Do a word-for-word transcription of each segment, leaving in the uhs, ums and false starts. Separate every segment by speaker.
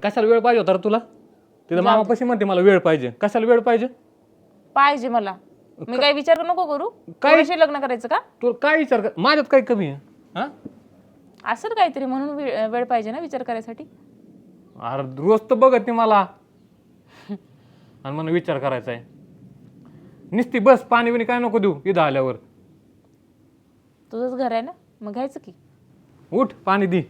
Speaker 1: कशाला वेळ पाहिजे होता रे तुला? तिथं मामापाशी म्हणते मला वेळ पाहिजे. कशाला वेळ पाहिजे?
Speaker 2: पाहिजे मला. मी काय विचार नको करू.
Speaker 1: काय
Speaker 2: कशी लग्न करायचं का?
Speaker 1: तू काय विचार कर, माझ्यात काय कमी आहे? हा
Speaker 2: असं काहीतरी म्हणून वे- वेळ पाहिजे ना विचार करायसाठी.
Speaker 1: अरे रोज तर बघत नाही मला आणि मला विचार करायचा आहे. निस्ती बस पाणी बिणी काय नको देऊ इथं आल्यावर.
Speaker 2: तुझंच घर आहे ना, मग घ्यायचं की.
Speaker 1: उठ पाणी दे.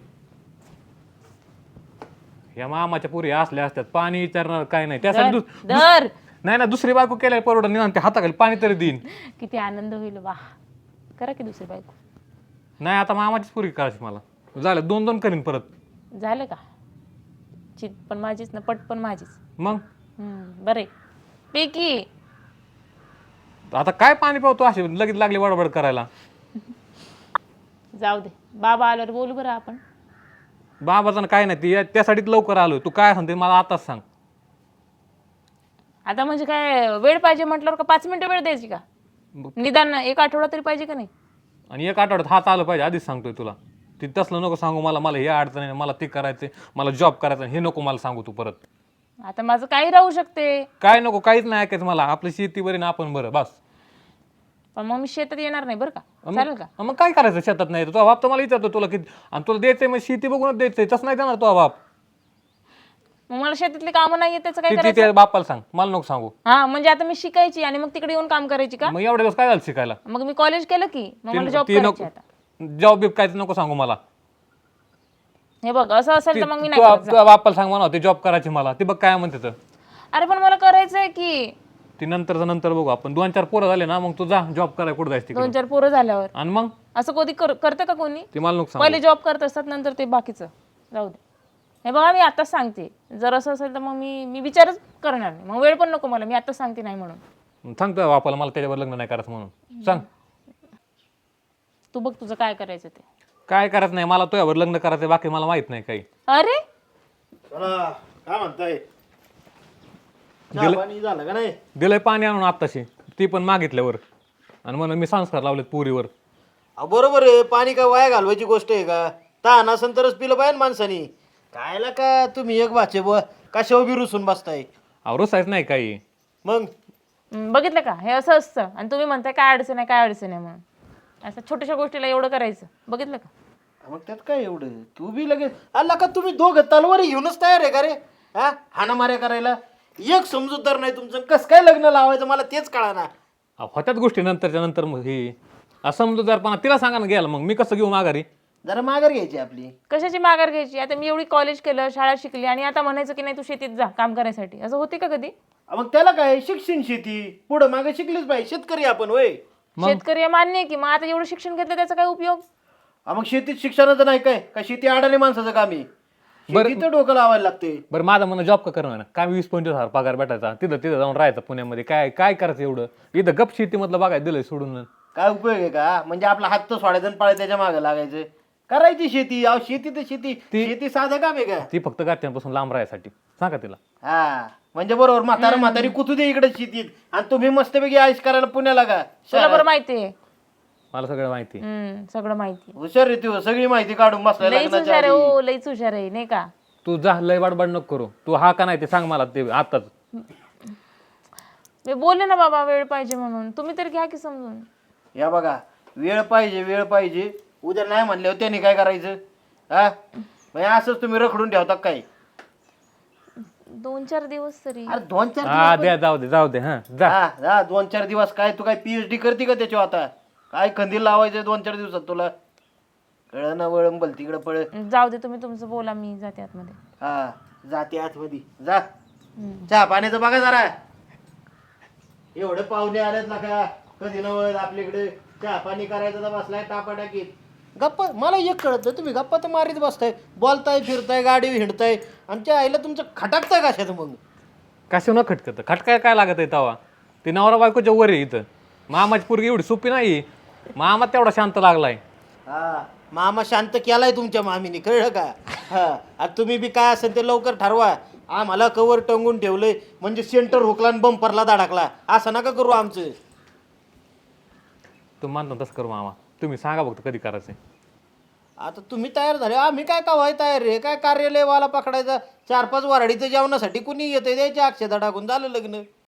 Speaker 1: या मामाच्या पुरी असल्या असतात पाणी विचारणार काय नाही त्यासाठी
Speaker 2: दर
Speaker 1: दुस-
Speaker 2: दर.
Speaker 1: नाही ना दुसरी बायको केल्यावर परवडत नाही ते हाताखाली पाणी तरी देईन.
Speaker 2: किती आनंद होईल. वा, करा की दुसरी बायको.
Speaker 1: नाही आता मामाचीच पुरी करायची मला. झालं दोन दोन करीन परत.
Speaker 2: झालं का? चित पण माझीच ना, पट पण माझीच.
Speaker 1: मग
Speaker 2: हम्म, बरे पैकी.
Speaker 1: आता काय पाणी पावतो असे लगेच लागले बडबड करायला.
Speaker 2: जाऊ दे, बाबा आल्यावर बोलू बरं आपण.
Speaker 1: बाबाचं काय नाही ती त्यासाठीच लवकर आलो. तू काय सांगते मला आताच सांग.
Speaker 2: आता म्हणजे काय वेळ पाहिजे म्हटल्यावर का पाच मिनिटं वेळ द्यायची का? निदान एक आठवडा तरी पाहिजे का नाही?
Speaker 1: आणि एक आठवड्यात हात आलं पाहिजे आधीच सांगतोय तुला. ती तसलं नको सांगू मला. मला हे अडचण आहे, मला ते करायचं, मला जॉब करायचा, हे नको मला सांगू तू परत.
Speaker 2: आता माझं काही राहू शकते.
Speaker 1: काय नको काहीच नाही ऐकायचं मला. आपली शेती बरी ना आपण बरं बस.
Speaker 2: पण मग मी शेतात येणार नाही बरं का? चालेल का?
Speaker 1: मग काय करायचं शेतात नाही तुझा बाप तर मला विचारतो तुला किती आणि तुला द्यायचंय मग शेती बघूनच द्यायचंय. तसं नाही देणार तुझा बाप.
Speaker 2: मग मला शेतातली कामं नाही त्याचं काय
Speaker 1: ती
Speaker 2: करायचं?
Speaker 1: त्या बापाला सांग मला नको सांगू.
Speaker 2: हा म्हणजे आता मी शिकायची आणि मग तिकडे येऊन काम करायची का?
Speaker 1: मग एवढे दिवस काय झालं शिकायला?
Speaker 2: मग मी कॉलेज केलं की मग मला जॉब
Speaker 1: ती
Speaker 2: करायची
Speaker 1: नको
Speaker 2: आता.
Speaker 1: जॉब बिब काय नको सांगू मला.
Speaker 2: हे बघ असं असेल तर मग मी नाही
Speaker 1: तुझ्या
Speaker 2: करत.
Speaker 1: तुझ्या बापाला सांग म्हणा ते जॉब करायची मला. ते बघ काय म्हणते तर.
Speaker 2: अरे पण मला करायचंय की.
Speaker 1: ती नंतरचं नंतर बघू आपण. दोन चार पोरं झाले ना मग तू जा जॉब करायला कुठं जायचं तिकडे.
Speaker 2: दोन चार पोरं झाल्यावर
Speaker 1: आणि मग
Speaker 2: असं कधी कर- करतं का कोणी?
Speaker 1: ते मला नको सांगू.
Speaker 2: पहिले जॉब करत असतात नंतर ते बाकीचं जाऊ दे. हे बघा मी आताच सांगते, जर असं असेल तर मग मी मी विचारच करणार नाही. मग वेळ पण नको मला. मी आताच सांगते नाही म्हणून.
Speaker 1: सांग तुझ्या बापाला मला त्याच्यावर लग्न नाही करायचं म्हणून सांग.
Speaker 2: तू बघ तुझं काय करायचं ते.
Speaker 1: काय करायचं नाही मला तुझ्यावर लग्न करायचं बाकी मला माहित नाही काही.
Speaker 2: अरे
Speaker 3: चला काय म्हणताय? चहा पाणी झालं का नाही?
Speaker 1: दिलंय पाणी आणून आत्ताशी ती पण मागितल्यावर आणि म्हणून मी संस्कार लावलेत पुरीवर.
Speaker 3: अहो, बरोबर आहे. पाणी काय वाया घालवायची गोष्ट आहे का? तहान असेल तरच पिलं पाहिजे माणसानी. कायला का तुम्ही एक वाचे ब कशावर बी रुसून बसताय
Speaker 1: आवरोसायच नाही काही.
Speaker 3: मग
Speaker 2: हम्म, बघितलं का? हे असं असतं आणि तुम्ही म्हणताय काय अडचण आहे काय अडचण आहे म्हणून. असं छोट्याशा गोष्टीला एवढं करायचं. बघितलं का?
Speaker 3: मग त्यात काय एवढं? तू बी लगेच आला का? तुम्ही दोघं तलवारी घेऊनच तयार आहे का रे? हा हाणामाऱ्या करायला एक समजूतदार नाही तुमचं. कसं काय लग्न लावायचं मला तेच कळा ना.
Speaker 1: होत्याच गोष्टी नंतरच्या नंतर मग ही असमजूतदारपणा तिला सांगा ना गेला मग मी कसं घेऊ माघारी.
Speaker 3: जरा माघार घ्यायची आपली.
Speaker 2: कशाची माघार घ्यायची? आता मी एवढी कॉलेज केलं, शाळा शिकली आणि आता म्हणायचं की नाही तू शेतीत जा काम करायसाठी. असं होते का कधी?
Speaker 3: मग त्याला काय शिक्षण शेती पुढं मागे शिकलीच पाहिजे. शेतकरी आपण होय.
Speaker 2: शेतकरी आहे मान्य आहे की, मग आता एवढं शिक्षण घेतलं त्याचा काय उपयोग?
Speaker 3: हा, मग शेतीत शिक्षणाचं नाही काय का? शेती अडाणी माणसाचं काम आहे. शेतीचं डोकं लावायला लागते.
Speaker 1: बरं माझं म्हणणं जॉब का करणार काय वीस पंचवीस हजार पगार भेटायचा तिथं तिथं जाऊन राहायचं पुण्यामध्ये काय काय करायचं एवढं. इथं गप शेतीमधलं बघायला दिलंय सोडून.
Speaker 3: काय उपयोग आहे का? म्हणजे आपला हात तर सोडायचा आणि पाळी त्याच्या मागे लागायचं. करायची शेती. अहो शेती तर शेती. शेती साधं काम आहे का?
Speaker 1: ती फक्त घरच्यांपासून लांब राहायसाठी सांगा तिला.
Speaker 3: हा म्हणजे बरोबर. म्हातारा म्हातारी कुतू दे इकडे शेतीत आणि तुम्ही मस्तपैकी आयुष करायला पुण्याला का?
Speaker 2: तुला बरं माहिती आहे.
Speaker 1: मला सगळं माहिती.
Speaker 2: हम्म, सगळं माहिती आहे.
Speaker 3: हुशार रे तू. सगळी माहिती काढून बसलाय
Speaker 2: लईच
Speaker 3: लग्नाच्या
Speaker 2: हुशार आहे.
Speaker 3: आधी.
Speaker 2: हो लईच हुशार आहे नाही का?
Speaker 1: तू जा लय बडबड नको करू. तू हा का नाही ते सांग मला ते आताच.
Speaker 2: मी बोलले ना बाबा वेळ पाहिजे म्हणून. तुम्ही तर घ्या की समजून.
Speaker 3: या बघा वेळ पाहिजे वेळ पाहिजे. उद्या नाही म्हणल्यावर त्याने काय करायचं? हा म्हणजे असंच तुम्ही रखडून ठेवता काय?
Speaker 2: दोन चार दिवस तरी.
Speaker 3: अरे दोन चार
Speaker 1: हा द्या जाऊ दे जाऊ दे हा जा.
Speaker 3: हा हा दोन चार दिवस काय? तू काय पीएचडी करते का त्याच्यावर? आता काय खंदील लावायचं दोन चार दिवसात तुला? कळ ना वळंबल बल तिकडं पळ.
Speaker 2: जाऊ दे तुम्ही तुमचं बोला, मी जाते आतमध्ये.
Speaker 3: हा जाते आतमध्ये जा. चहा पाण्याचं बघा जरा. एवढे पाहुणे आलेत ना का? कधी नवळ आपल्याकडे चहा पाणी करायचं तर बसलाय टापा टाकीत. गप्पा मला एक कळत नाही. तुम्ही गप्पा तर मारीत बसताय, बोलताय फिरताय गाडी हिंडताय. आमच्या आईला तुमचं खटाकताय कशात मग?
Speaker 1: कशा न खटकत खटकाय काय लागत आहे तवा. ते नवरा बायकोच्या वर आहे इथं. मामाची पोरगी एवढी सोपी नाही. मामा तेवढा शांत लागलाय.
Speaker 3: हा मामा शांत केलाय तुमच्या मामीने कळलं का? हा आता तुम्ही बी काय असेल ते लवकर ठरवा. आम्हाला कवर टंगून ठेवलंय म्हणजे सेंटर हुकला आणि बंपरला धडकला असं नका करू आमचं.
Speaker 1: तुम्ही मानता तसं करू मामा. तुम्ही सांगा फक्त कधी करायचंय.
Speaker 3: आता तुम्ही तयार झाले आम्ही काय कवाय तयार रे काय कार्यालयवाला पकडायचा चार पाच वराडीचं जेवणासाठी कुणी येतं द्यायच्या अक्षता टाकून झालं लग्न